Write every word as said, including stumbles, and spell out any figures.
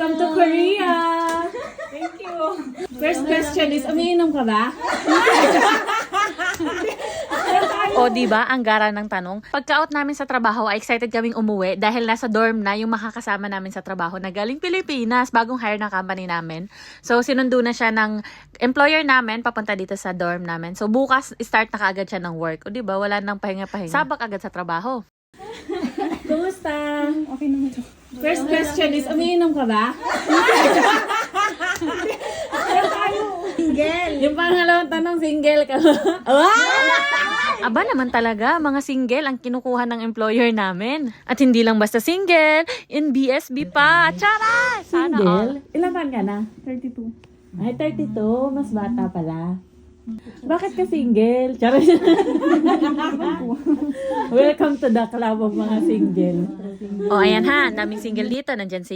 Welcome to Korea! Thank you. First question is, umiinom ka ba? O di ba ang gara ng tanong? Pagka-out namin sa trabaho ay excited kaming umuwi dahil nasa dorm na yung makakasama namin sa trabaho na galing Pilipinas, bagong hire ng company namin. So sinundo na siya ng employer namin papunta dito sa dorm namin. So bukas start na kaagad siya ng work. O di ba wala nang pahinga-pahinga. Sabak agad sa trabaho. Kumusta? Okay naman to. First question is, umiinom ka ba? Single. Yung pangalawang tanong, single ka ba? Aba naman talaga, mga single ang kinukuha ng employer namin. At hindi lang basta single, in B S B pa. Tara! Sana all. Single? Ilan taon ka na? thirty-two. Ay, thirty-two. Mas bata pala. Bakit ka single? Charot. Welcome to the club of mga single. O ayan ha, daming single dito. Nandyan si